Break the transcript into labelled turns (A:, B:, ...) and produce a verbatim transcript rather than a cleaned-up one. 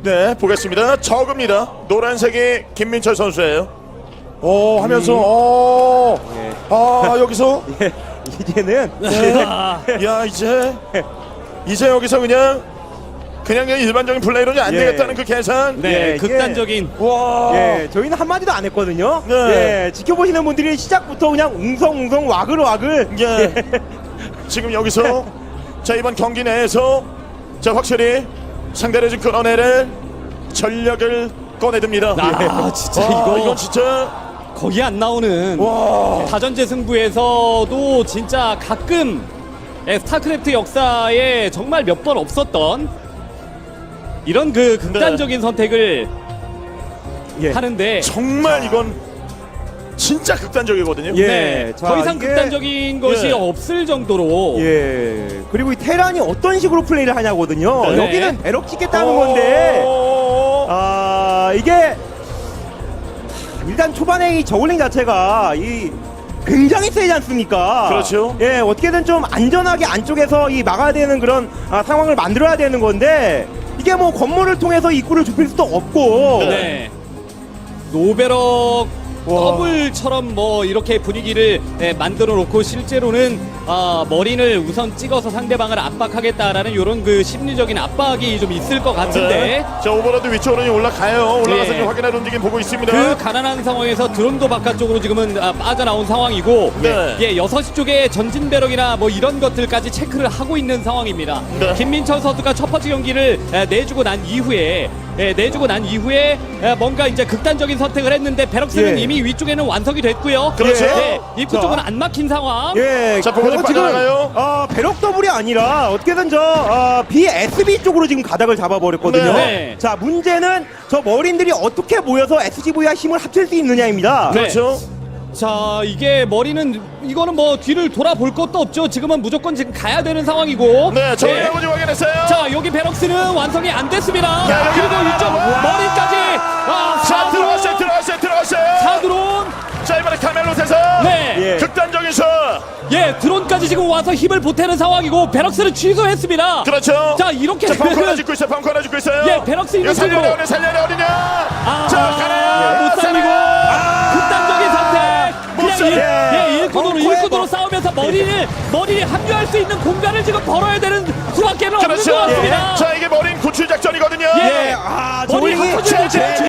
A: 네, 보겠습니다. 적읍니다. 노란색이 김민철 선수예요. 오 하면서
B: 음.
A: 오.
B: 예.
A: 아 여기서
B: 예, 이제는
A: 야 이제 이제 여기서 그냥 그냥 일반적인 플레이로는 안
B: 예.
A: 되겠다는 그 계산.
C: 네,
B: 예, 이게-
C: 극단적인.
A: 와.
B: 예, 저희는 한마디도 안 했거든요.
A: 네.
B: 예, 지켜보시는 분들이 시작부터 그냥 웅성웅성 와글와글.
A: 예. 지금 여기서 자 이번 경기 내에서 자 확실히 상대를 좀 끌어내릴 전력을 꺼내듭니다.
C: 아, 진짜
A: 와,
C: 이거
A: 이건 진짜
C: 거의 안 나오는
A: 와.
C: 다전제 승부에서도 진짜 가끔 예, 스타크래프트 역사에 정말 몇 번 없었던 이런 그 극단적인 선택을
B: 예.
C: 하는데
A: 정말 이건 진짜 극단적이거든요.
B: 예.
C: 네,
B: 자,
C: 더 이상
B: 이게-
C: 극단적인 것이
A: 예.
C: 없을 정도로
B: 예. 그리고 이 테란이 어떤 식으로 플레이를 하냐거든요.
C: 네.
B: 여기는 배럭 찍겠다는 건데,
A: 오.
B: 아, 이게 일단 초반에 이 저글링 자체가 이 굉장히 세지 않습니까?
A: 그렇죠.
B: 예, 어떻게든 좀 안전하게 안쪽에서 이 막아야 되는 그런 아, 상황을 만들어야 되는 건데, 이게 뭐 건물을 통해서 입구를 좁힐 수도 없고.
C: 네. 노베럭
B: 와.
C: 더블처럼 뭐 이렇게 분위기를 예, 만들어 놓고 실제로는 아, 머린을 우선 찍어서 상대방을 압박하겠다라는 이런 그 심리적인 압박이 좀 있을 것 같은데
A: 네. 자 오버로드 위쪽으로 올라가요. 올라가서
C: 예.
A: 좀 확인할 움직임 보고 있습니다.
C: 그 가난한 상황에서 드론도 바깥쪽으로 지금은 아, 빠져나온 상황이고
A: 네.
C: 예, 여섯 시 쪽에 전진 배럭이나 뭐 이런 것들까지 체크를 하고 있는 상황입니다.
A: 네.
C: 김민철 선수가 첫 번째 경기를 에, 내주고 난 이후에 예, 내주고 난 이후에 에, 뭔가 이제 극단적인 선택을 했는데 베럭스는
B: 예.
C: 이미 위쪽에는 완성이 됐고요.
A: 그렇죠.
C: 예, 입구
B: 자.
C: 쪽은 안 막힌 상황.
B: 예,
A: 자, 보고
B: 그리고
A: 빠져나가요.
B: 어, 배럭 더블이 아니라 어떻게든 저 어, 비에스비 쪽으로 지금 가닥을 잡아버렸거든요.
C: 네.
B: 자, 문제는 저 머린들이 어떻게 모여서 에스지브이와 힘을 합칠 수 있느냐입니다.
C: 네.
A: 그렇죠.
C: 자, 이게 머리는 이거는 뭐 뒤를 돌아볼 것도 없죠. 지금은 무조건 지금 가야 되는 상황이고.
A: 네, 저희
C: 예.
A: 아버지 확인했어요.
C: 자, 여기 베럭스는 완성이 안 됐습니다.
A: 야, 여기
C: 그리고
A: 하나,
C: 이쪽
A: 하나.
C: 머리까지. 아,
A: 자
C: 사드론.
A: 들어갔어요, 들어갔어요, 들어갔어요.
C: 사드론.
A: 자 이번에 카멜롯에서
C: 네.
B: 예.
A: 극단적인 슛.
C: 예, 드론까지 지금 와서 힘을 보태는 상황이고 베럭스는 취소했습니다.
A: 그렇죠.
C: 자, 이렇게
A: 자 펑크 하나
C: 되면
A: 짓고 있어요, 펑크 하나 짓고 있어요.
C: 예, 베럭스
A: 이거
C: 있는
A: 살려야
C: 쪽으로.
A: 어디 살려야 어디냐.
C: 아,
A: 자 가라.
C: 못 살리고 극단적인 선택.
A: 못
C: 그냥
A: 살려.
C: 일, 예, 일꾼으로
B: 벙커에
C: 일꾼으로
B: 뭐-
C: 싸우면서 머리를 머리에 합류할 수 있는 공간을 지금 벌어야 되는 수밖에는 없는
A: 그렇죠.
C: 것 같습니다.
A: 자 이게 머린 구출 작전이거든요.
C: 예.
B: 아,
C: 머리
B: 저글링이
C: 합쳐져야 돼.